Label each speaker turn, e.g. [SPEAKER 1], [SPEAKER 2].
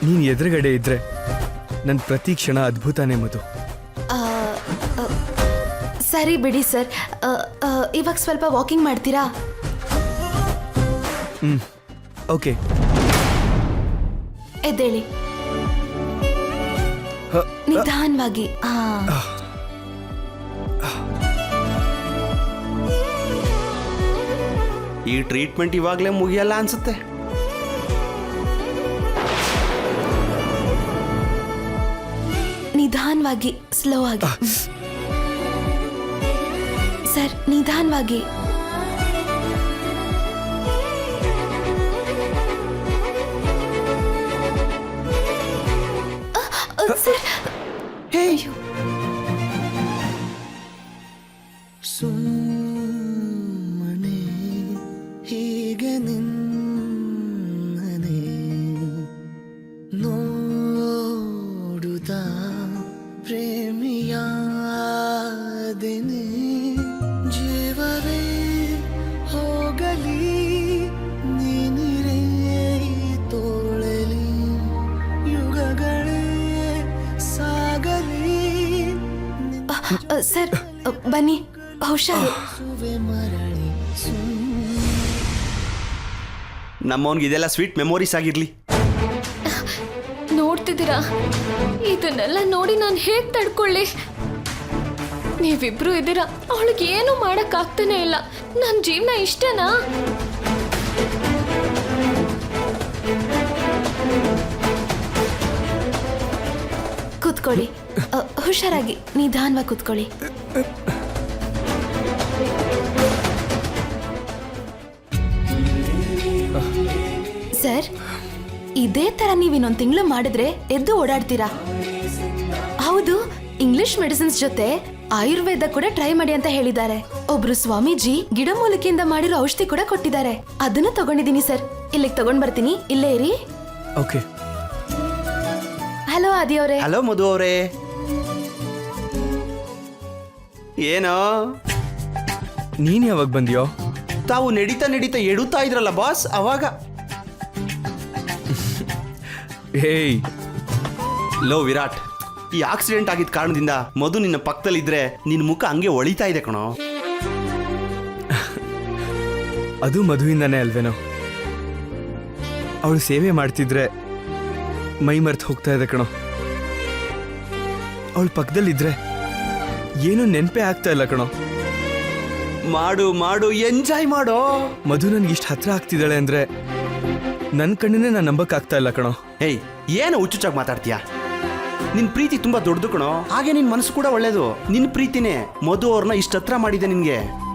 [SPEAKER 1] ನೀನು ಎದುರುಗಡೆ ಇದ್ರೆ ನನ್ನ ಪ್ರತಿ ಕ್ಷಣ ಅದ್ಭುತನೇ ಮಧು.
[SPEAKER 2] ಸರಿ ಬಿಡಿ ಸರ್, ಇವಾಗ ಸ್ವಲ್ಪ ವಾಕಿಂಗ್ ಮಾಡ್ತೀರಾ?
[SPEAKER 1] ಓಕೆ.
[SPEAKER 2] ಎದ್ದೇಳಿ ನಿಧಾನವಾಗಿ.
[SPEAKER 3] ಈ ಟ್ರೀಟ್ಮೆಂಟ್ ಇವಾಗಲೇ ಮುಗಿಯಲ್ಲ ಅನ್ಸುತ್ತೆ.
[SPEAKER 2] ನಿಧಾನವಾಗಿ, ಸ್ಲೋ ಆಗಿ ಸರ್, ನಿಧಾನವಾಗಿ. ಸರ್, ಅಯ್ಯೋ.
[SPEAKER 4] ಸುಮ್ಮನೆ ಹೀಗೆ ನಿನ್ನನೆ ನೋಡುತ್ತಾ ಪ್ರೇಮಿಯಾದೆನೆ. ಜೀವವೇ ಹೋಗಲಿ ನೀನಿರೇ ತೋಳಲಿ, ಯುಗಗಳೇ ಸಾಗಲಿ.
[SPEAKER 2] ಸರ್ ಬನ್ನಿ, ಹುಷಾರು.
[SPEAKER 3] ನಮ್ಮವನ್ಗೆ ಇದೆಲ್ಲ ಸ್ವೀಟ್ ಮೆಮೊರೀಸ್ ಆಗಿರ್ಲಿ.
[SPEAKER 5] ನೋಡ್ತಿದ್ದೀರಾ, ಇದನ್ನೆಲ್ಲ ನೋಡಿ ನಾನು ಹೇಗ್ ತಡ್ಕೊಳ್ಳಿ? ನೀವಿಬ್ರು ಇದ್ದೀರಾ, ಅವಳಿಗೆ ಏನು ಮಾಡಕ್ ಆಗ್ತಾನೆ ಇಲ್ಲ. ನನ್ನ ಜೀವನ ಇಷ್ಟನಾ?
[SPEAKER 2] ಕೂತ್ಕೊಳ್ಳಿ, ಹುಷಾರಾಗಿ, ನಿಧಾನವಾಗಿ ಕೂತ್ಕೊಳ್ಳಿ. ಸರ್, ಇದೇ ತರ ನೀವು ಇನ್ನೊಂದು ತಿಂಗಳು ಮಾಡಿದ್ರೆ ಎದ್ದು ಓಡಾಡ್ತೀರಾ. ಹೌದು, ಇಂಗ್ಲಿಷ್ ಮೆಡಿಸಿನ್ಸ್ ಜೊತೆ ಆಯುರ್ವೇದ ಕೂಡ ಟ್ರೈ ಮಾಡಿ ಅಂತ ಹೇಳಿದ್ದಾರೆ. ಒಬ್ರು ಸ್ವಾಮೀಜಿ ಗಿಡಮೂಲಿಕೆಯಿಂದ ಮಾಡಿರೋ ಔಷಧಿ ಕೂಡ ಕೊಟ್ಟಿದ್ದಾರೆ. ಅದನ್ನು ತಗೊಂಡಿದ್ದೀನಿ ಸರ್. ಇಲ್ಲಿಗೆ ತಗೊಂಡ್ ಬರ್ತೀನಿ, ಇಲ್ಲೇ ಇರಿ.
[SPEAKER 1] ಓಕೆ.
[SPEAKER 2] ಹಲೋ ಆದಿ ಅವರೇ.
[SPEAKER 3] ಹಲೋ ಮಧು ಅವರೇ. ಏನೋ
[SPEAKER 1] ನೀನು ಯಾವಾಗ ಬಂದ್ಯೋ?
[SPEAKER 3] ತಾವು ನಡೀತಾ ನಡೀತಾ ಎಡುತ್ತಾ ಇದ್ರಲ್ಲ ಬಾಸ್, ಅವಾಗ.
[SPEAKER 1] ಹೇಯ್
[SPEAKER 3] ಲೋ ವಿರಾಟ್, ಈ ಆಕ್ಸಿಡೆಂಟ್ ಆಗಿದ್ದ ಕಾರಣದಿಂದ ಮಧು ನಿನ್ನ ಪಕ್ಕದಲ್ಲಿದ್ರೆ ನಿನ್ನ ಮುಖ ಹಂಗೆ ಒಳಿತಾ ಇದೆ ಕಣೋ.
[SPEAKER 1] ಅದು ಮಧುವಿಂದಾನೇ ಅಲ್ವೇನೋ. ಅವಳು ಸೇವೆ ಮಾಡ್ತಿದ್ರೆ ಮೈ ಮರ್ತು ಹೋಗ್ತಾ ಇದೆ ಕಣೋ. ಅವಳು ಪಕ್ಕದಲ್ಲಿದ್ರೆ ಏನು ನೆನಪೇ ಆಗ್ತಾ ಇಲ್ಲ ಕಣೋ.
[SPEAKER 3] ಮಾಡು ಮಾಡು, ಎಂಜಾಯ್ ಮಾಡೋ.
[SPEAKER 1] ಮಧು ನನ್ಗೆ ಇಷ್ಟು ಹತ್ರ ಆಗ್ತಿದ್ದಾಳೆ ಅಂದ್ರೆ ನನ್ನ ಕಣ್ಣನ್ನೇ ನಾನು ನಂಬಕ್ಕಾಗ್ತಾ ಇಲ್ಲ ಕಣೋ.
[SPEAKER 3] ಹೇಯ್, ಏನು ಹುಚ್ಚುಚ್ಚಾಗಿ ಮಾತಾಡ್ತೀಯಾ? ನಿನ್ ಪ್ರೀತಿ ತುಂಬಾ ದೊಡ್ಡದು ಕಣೋ, ಹಾಗೆ ನಿನ್ ಮನಸ್ಸು ಕೂಡ ಒಳ್ಳೇದು. ನಿನ್ ಪ್ರೀತಿನೇ ಮಧು ಅವ್ರನ್ನ ಇಷ್ಟ ಹತ್ರ ಮಾಡಿದೆ ನಿನ್ಗೆ.